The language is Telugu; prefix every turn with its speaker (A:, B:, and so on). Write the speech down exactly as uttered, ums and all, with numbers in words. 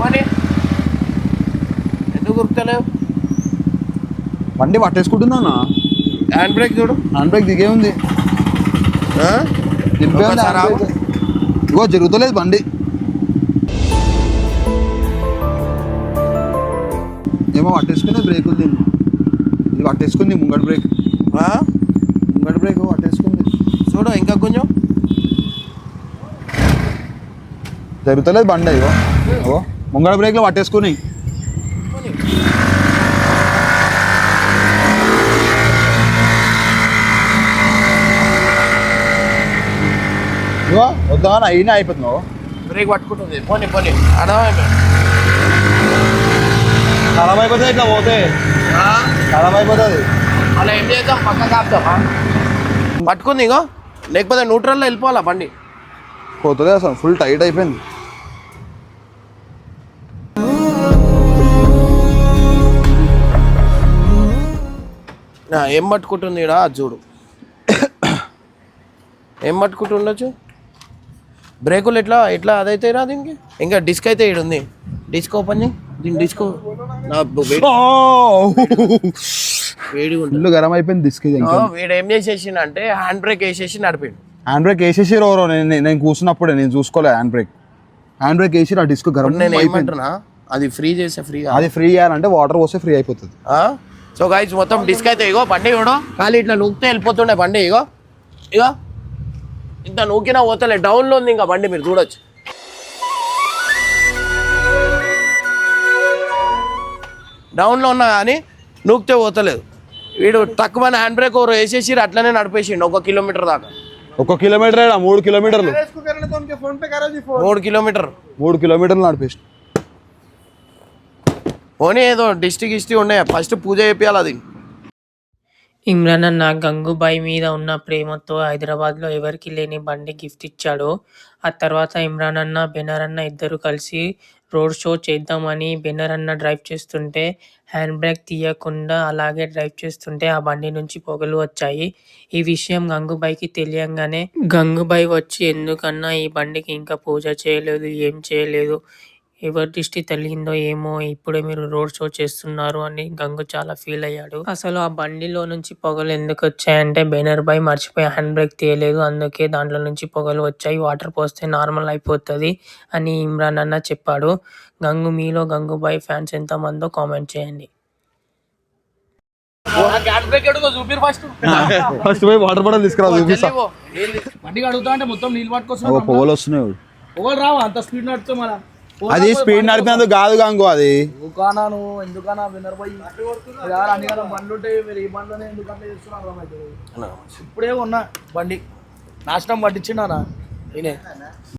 A: పోనీ ఎందుకు గుర్తలేవు?
B: బండి పట్టేసుకుంటుందా అన్న?
A: హ్యాండ్ బ్రేక్ చూడు.
B: హ్యాండ్ బ్రేక్ దిగే ఉంది, దింపే ఉంది హ్యాండ్ బ్రేక్. ఇగో జరుగుతలేదు బండి. ఏమో పట్టేసుకునే బ్రేక్ ఉంది, ఇది పట్టేసుకుంది ముంగడి బ్రేక్. ముంగడి బ్రేక్ పట్టేసుకుంది
A: చూడు ఇంకా కొంచెం.
B: జరుగుతలేదు బండి. ఇగో ఇగో ముంగడి బ్రేక్లో పట్టేసుకుని. ఇగో వద్దా అయినా అయిపోతున్నావు.
A: బ్రేక్ పట్టుకుంటుంది. పోనీ పోనీ అర్థమైపోయింది.
B: ఖరాబ్ అయిపోతుంది ఇట్లా పోతే, ఖరాబ్ అయిపోతుంది.
A: అలా ఏం చేద్దాం, పక్క కాపుతామా? పట్టుకుంది ఇగో, లేకపోతే న్యూట్రల్లో వెళ్ళిపోవాలా బండి.
B: పోతుంది అసలు, ఫుల్ టైట్ అయిపోయింది.
A: ఏం పట్టుకుంటుంది ఇక్కడ చూడు, ఏం పట్టుకుంటుండొచ్చు. బ్రేకులు ఎట్లా ఎట్లా అదైతే రా దీనికి. ఇంకా డిస్క్ అయితే ఇక్కడ ఉంది, డిస్క్ ఓపెన్ చేయి. దీని డిస్క్ వేడి
B: ఫుల్ గరం అయిపోయింది డిస్క్.
A: వీడు ఏం చేసేసిండు అంటే హ్యాండ్ బ్రేక్ వేసేసి నడిపిండు.
B: హ్యాండ్ బ్రేక్ వేసేసి ఎవరో నేను నేను కూర్చున్నప్పుడే నేను చూసుకోలే. హ్యాండ్ బ్రేక్ హ్యాండ్ బ్రేక్ వేసి ఆ డిస్క్ గరం.
A: నేను ఏమంటున్నా, అది ఫ్రీ చేసే ఫ్రీ,
B: అది ఫ్రీ చేయాలంటే వాటర్ పోస్తే ఫ్రీ అయిపోతుంది.
A: సో గైస్ మొత్తం డిస్క్ అయితే ఇగో బండి ఇవ్వడు, ఖాళీ ఇట్లా నూకితే వెళ్ళిపోతుండే బండి. ఇగో ఇగో ఇంత నూకినా పోతలే, డౌన్లో ఉంది ఇంకా బండి, మీరు చూడొచ్చు. డౌన్లో ఉన్నా కానీ నూకితే పోతలేదు. వీడు తక్కువ హ్యాండ్ బ్రేక్ ఓవర్ వేసేసి అట్లనే నడిపేసిండు ఒక కిలోమీటర్ దాకా.
B: ఒక కిలోమీటర్ మూడు కిలోమీటర్లు
A: మూడు కిలోమీటర్
B: మూడు కిలోమీటర్లు నడిపేసి.
A: పోనీ ఏదో డిస్ట్రిక్ హిస్టరీ ఉన్నాయి, ఫస్ట్ పూజ చేయాలి అది.
C: ఇమ్రాన్ అన్న గంగూబాయ్ మీద ఉన్న ప్రేమతో హైదరాబాద్లో ఎవరికి లేని బండి గిఫ్ట్ ఇచ్చాడు. ఆ తర్వాత ఇమ్రాన్ అన్న బెనర్ అన్న ఇద్దరు కలిసి రోడ్ షో చేద్దామని బెనర్ అన్న డ్రైవ్ చేస్తుంటే హ్యాండ్ బ్రేక్ తీయకుండా అలాగే డ్రైవ్ చేస్తుంటే ఆ బండి నుంచి పొగలు వచ్చాయి. ఈ విషయం గంగూబాయ్కి తెలియంగానే గంగూబాయ్ వచ్చి ఎందుకన్నా ఈ బండికి ఇంకా పూజ చేయలేదు, ఏం చేయలేదు, ఎవరి దృష్టి తగిలిందో ఏమో, ఇప్పుడే మీరు రోడ్ షో చేస్తున్నారు అని గంగు చాలా ఫీల్ అయ్యాడు. అసలు ఆ బండిలో నుంచి పొగలు ఎందుకు వచ్చాయంటే బెనర్ బాయ్ మర్చిపోయి హ్యాండ్ బ్రేక్ తీయలేదు, అందుకే దాంట్లో నుంచి పొగలు వచ్చాయి, వాటర్ పోస్తే నార్మల్ అయిపోతుంది అని ఇమ్రాన్ అన్న చెప్పాడు. గంగు మీలో గంగూబాయ్ ఫ్యాన్స్ ఎంత మందో కామెంట్ చేయండి.
B: ఫస్ట్ పోయి వాటర్ బాటిల్ తీసుకురా, చూపిస్తా. పొగలు వస్తున్నాయి. అది స్పీడ్ నడిపినందుకు కాదు గంగు, అది
D: ఎందుకన్నా ఎందుకన్నా వినర్ పోయి అన్ని బండ్లు ఉంటాయి, మీరు ఈ బండ్లోనే ఎందుకంటే చేస్తున్నారు అర్థమవుతుంది. ఇప్పుడే ఉన్నా బండి నాశనం పట్టించినారా నేనే.